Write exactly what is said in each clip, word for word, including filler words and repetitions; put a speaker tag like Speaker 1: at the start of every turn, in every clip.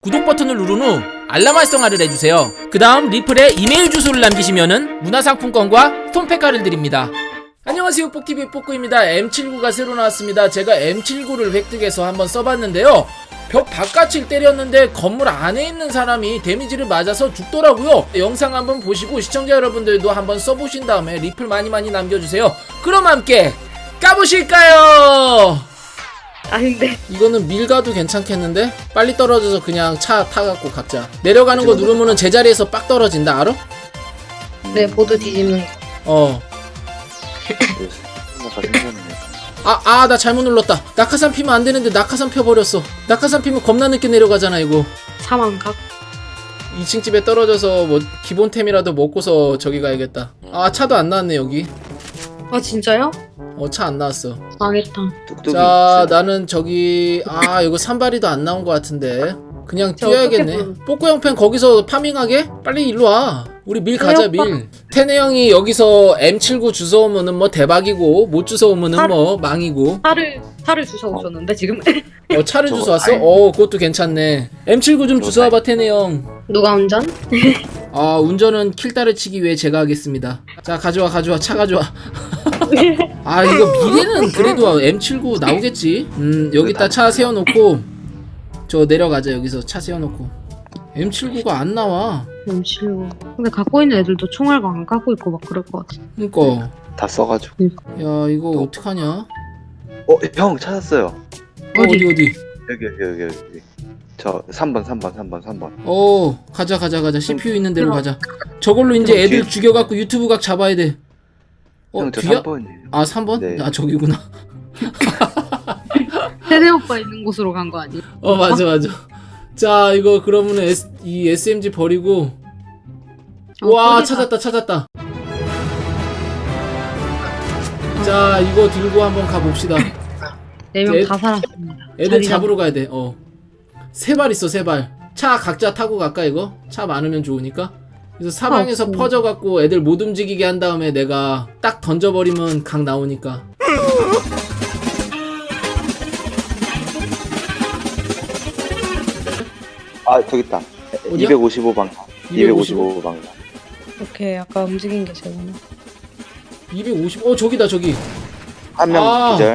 Speaker 1: 구독 버튼을 누른 후 알람 활성화를 해주세요. 그 다음 리플에 이메일 주소를 남기시면은 문화상품권과 스톤팩가를 드립니다. 안녕하세요, 뽀티비의 뽀꾸입니다. 엠 칠십구가 새로 나왔습니다. 제가 엠 칠십구를 획득해서 한번 써봤는데요, 벽 바깥을 때렸는데 건물 안에 있는 사람이 데미지를 맞아서 죽더라고요. 영상 한번 보시고 시청자 여러분들도 한번 써보신 다음에 리플 많이 많이 남겨주세요. 그럼 함께 까보실까요?
Speaker 2: 아닌데.
Speaker 1: 이거는 밀가도 괜찮겠는데? 빨리 떨어져서 그냥 차 타갖고 각자 내려가는 거 누르면은 제자리에서 빡 떨어진다, 알아?
Speaker 2: 네, 보드 뒤집는 거.
Speaker 1: 어. 아, 아, 나 잘못 눌렀다. 낙하산 피면 안 되는데 낙하산 펴버렸어. 낙하산 피면 겁나 늦게 내려가잖아, 이거.
Speaker 2: 사망각.
Speaker 1: 이 층 집에 떨어져서 뭐 기본템이라도 먹고서 저기 가야겠다. 아, 차도 안 나왔네, 여기.
Speaker 2: 아, 진짜요?
Speaker 1: 어, 차 안 나왔어.
Speaker 2: 망했다.
Speaker 1: 자, 나는 저기, 아, 이거 산발이도 안 나온 것 같은데. 그냥 뛰어야겠네. 뽀꾸 형팬 거기서 파밍하게? 빨리 일로 와. 우리 밀 가자, 밀. 테네 형이 여기서 엠 칠십구 주워오면은 뭐 대박이고, 못 주워오면은
Speaker 2: 차를-
Speaker 1: 뭐 망이고.
Speaker 2: 차를 차를 주워 오셨는데 지금.
Speaker 1: 어, 차를 주워왔어? 어, 그것도 괜찮네. 엠 칠십구 좀 주워와봐, 테네 형.
Speaker 2: 누가 운전?
Speaker 1: 아, 운전은 킬다를 치기 위해 제가 하겠습니다. 자, 가져와, 가져와, 차 가져와. 아, 이거 미래는 그래도 엠 칠십구 나오겠지. 음, 여기다 차 세워놓고 저 내려가자. 여기서 차 세워놓고. 엠 칠십구가 안 나와.
Speaker 2: 엠 칠십구. 근데 갖고 있는 애들도 총알 안 갖고 있고 막 그럴 것 같아.
Speaker 1: 그니까
Speaker 3: 다 써가지고.
Speaker 1: 야, 이거 어떡하냐?
Speaker 3: 어, 형 찾았어요.
Speaker 1: 어, 어디 어디?
Speaker 3: 여기 여기 여기 여기. 저 삼 번 삼 번 삼 번 삼 번.
Speaker 1: 어, 가자 가자 가자. 씨피유 있는 데로 가자. 저걸로 이제 애들 죽여갖고 유튜브 각 잡아야 돼. 어,
Speaker 3: 형 저
Speaker 1: 뒤야?
Speaker 3: 삼 번이에요.
Speaker 1: 아, 삼 번?
Speaker 3: 네.
Speaker 1: 아, 저기구나.
Speaker 2: 세대 오빠 있는 곳으로 간 거 아니야?
Speaker 1: 어, 맞아 맞아. 자, 이거 그러면은 S, 이 에스엠지 버리고.
Speaker 2: 어,
Speaker 1: 와,
Speaker 2: 버리자.
Speaker 1: 찾았다 찾았다. 자, 이거 들고 한번 가봅시다.
Speaker 2: 네 명
Speaker 1: 애-
Speaker 2: 다 살았습니다.
Speaker 1: 애들
Speaker 2: 자리
Speaker 1: 잡으러 가야 돼. 어. 세 발 있어, 세 발. 차 각자 타고 갈까, 이거? 차 많으면 좋으니까. 그래서 사방에서
Speaker 2: 없어.
Speaker 1: 퍼져갖고 애들 못 움직이게 한 다음에 내가 딱 던져버리면 각 나오니까.
Speaker 3: 아 저기 있다.
Speaker 1: 어디야?
Speaker 3: 이백오십오 방향. 이백오십오 방향.
Speaker 2: 오케이, 아까 움직인 게 제구나.
Speaker 1: 이백오십, 어, 저기다, 저기.
Speaker 3: 한 명
Speaker 1: 아.
Speaker 3: 기절.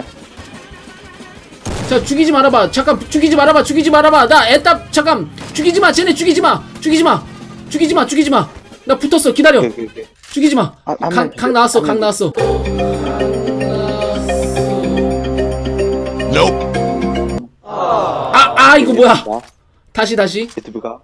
Speaker 1: 자, 죽이지 말아봐. 잠깐, 죽이지 말아봐. 죽이지 말아봐. 나 애답, 잠깐. 죽이지 마. 쟤네 죽이지 마. 죽이지 마. 죽이지 마. 죽이지 마. 나 붙었어. 기다려.
Speaker 3: 오케이, 오케이, 오케이.
Speaker 1: 죽이지 마.
Speaker 3: 아, 한
Speaker 1: 각,
Speaker 3: 명
Speaker 1: 각 나왔어.
Speaker 3: 한
Speaker 1: 각
Speaker 3: 명
Speaker 1: 나왔어. 아, 아, 이거 뭐야. 다시, 다시.
Speaker 3: 유튜브가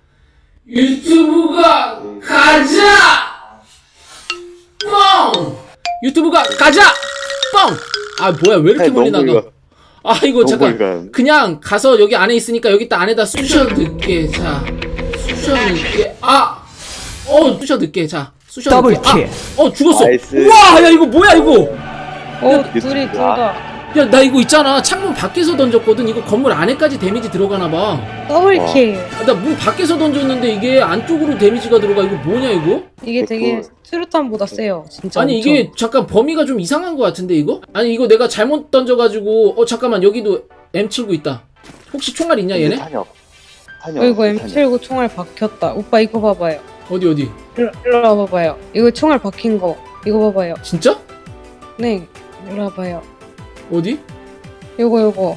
Speaker 1: 유튜브가 가자! 뻥! 유튜브가 가자! 뻥! 아, 뭐야. 왜 이렇게 멀리 나가? 아, 이거 잠깐. 그냥 가서 여기 안에 있으니까 여기 딱 안에다 쑤셔 넣게. 자, 쑤셔 넣게. 아! 어, 쑤셔 넣게. 자, 쑤셔 넣게. 아! 어, 죽었어.
Speaker 3: 나이스.
Speaker 1: 우와! 야, 이거 뭐야, 이거!
Speaker 2: 어,
Speaker 3: 야,
Speaker 2: 둘이 둘 다.
Speaker 1: 야, 나 이거 있잖아. 창문 밖에서 던졌거든. 이거 건물 안에까지 데미지 들어가나봐.
Speaker 2: 더블킬.
Speaker 1: 나 문 밖에서 던졌는데 이게 안쪽으로 데미지가 들어가. 이거 뭐냐, 이거?
Speaker 2: 이게 되게
Speaker 3: 그-
Speaker 2: 수류탄보다 세요. 진짜.
Speaker 1: 아니,
Speaker 2: 엄청.
Speaker 1: 이게 잠깐 범위가 좀 이상한 것 같은데, 이거? 아니, 이거 내가 잘못 던져가지고. 어, 잠깐만. 여기도 엠 칠십구 있다. 혹시 총알 있냐, 얘네?
Speaker 3: 탄이 없. 탄이 없.
Speaker 2: 어이구, 엠 칠십구 총알 박혔다. 오빠 이거 봐봐요.
Speaker 1: 어디, 어디?
Speaker 2: 일로, 일로 와봐봐요. 이거 총알 박힌 거. 이거 봐봐요.
Speaker 1: 진짜?
Speaker 2: 네. 일로 와봐요.
Speaker 1: 어디?
Speaker 2: 요거 요거.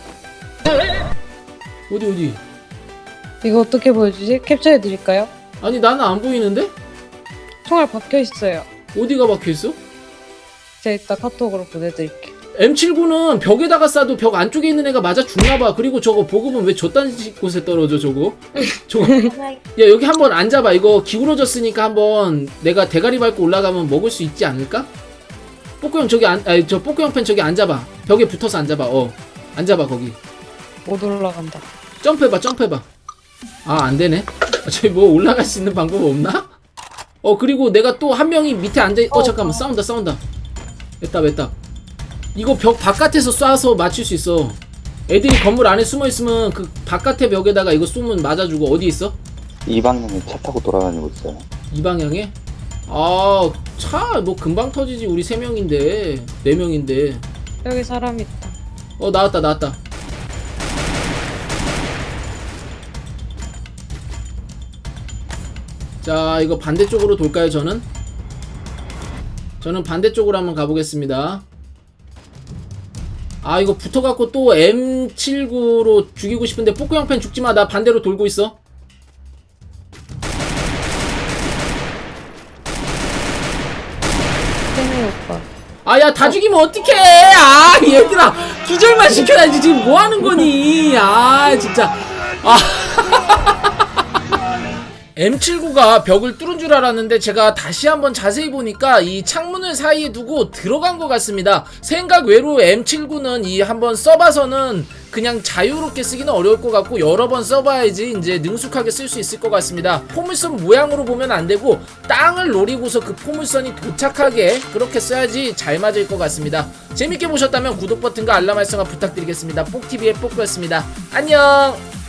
Speaker 1: 어디, 어디?
Speaker 2: 이거 어떻게 보여주지? 캡처해드릴까요?
Speaker 1: 아니, 나는 안 보이는데?
Speaker 2: 총알 박혀있어요.
Speaker 1: 어디가 박혀있어?
Speaker 2: 제가 이따 카톡으로 보내드릴게요.
Speaker 1: 엠 칠십구는 벽에다가 쏴도 벽 안쪽에 있는 애가 맞아 죽나봐. 그리고 저거 보급은 왜 저딴 곳에 떨어져, 저거? 저거. 야, 여기 한번 앉아봐. 이거 기울어졌으니까 한번 내가 대가리 밟고 올라가면 먹을 수 있지 않을까? 뽀꾸 형 저기 안, 아니, 저 뽀꾸 형 팬 저기 앉아봐. 벽에 붙어서 앉아봐. 어. 앉아봐, 거기.
Speaker 2: 못 올라간다.
Speaker 1: 점프해봐, 점프해봐. 아, 안 되네. 아, 저기 뭐 올라갈 수 있는 방법 없나? 어, 그리고 내가 또 한 명이 밑에 앉아, 어, 잠깐만. 싸운다, 싸운다. 됐다, 됐다. 이거 벽 바깥에서 쏴서 맞출 수 있어. 애들이 건물 안에 숨어 있으면 그 바깥의 벽에다가 이거 쏘면 맞아주고. 어디 있어?
Speaker 3: 이 방향에 차 타고 돌아다니고 있어요.
Speaker 1: 이 방향에? 아, 차 뭐 금방 터지지. 우리 세 명인데, 네 명인데.
Speaker 2: 여기 사람 있다.
Speaker 1: 어, 나왔다, 나왔다. 자, 이거 반대쪽으로 돌까요, 저는? 저는 반대쪽으로 한번 가보겠습니다. 아, 이거 붙어갖고 또 엠 칠십구로 죽이고 싶은데, 뽀꾸 형팬 죽지마. 나 반대로 돌고 있어.
Speaker 2: 쟤네 오빠.
Speaker 1: 아, 야, 다 죽이면 어떡해! 아, 얘들아! 기절만 시켜야지. 지금 뭐 하는 거니? 아, 진짜. 아. 엠 칠십구가 벽을 뚫은 줄 알았는데 제가 다시 한번 자세히 보니까 이 창문을 사이에 두고 들어간 것 같습니다. 생각 외로 엠 칠십구는 이 한번 써봐서는 그냥 자유롭게 쓰기는 어려울 것 같고 여러 번 써봐야지 이제 능숙하게 쓸 수 있을 것 같습니다. 포물선 모양으로 보면 안 되고 땅을 노리고서 그 포물선이 도착하게 그렇게 써야지 잘 맞을 것 같습니다. 재밌게 보셨다면 구독 버튼과 알람 설정을 부탁드리겠습니다. 뽁티비의 뽁꾸였습니다. 안녕!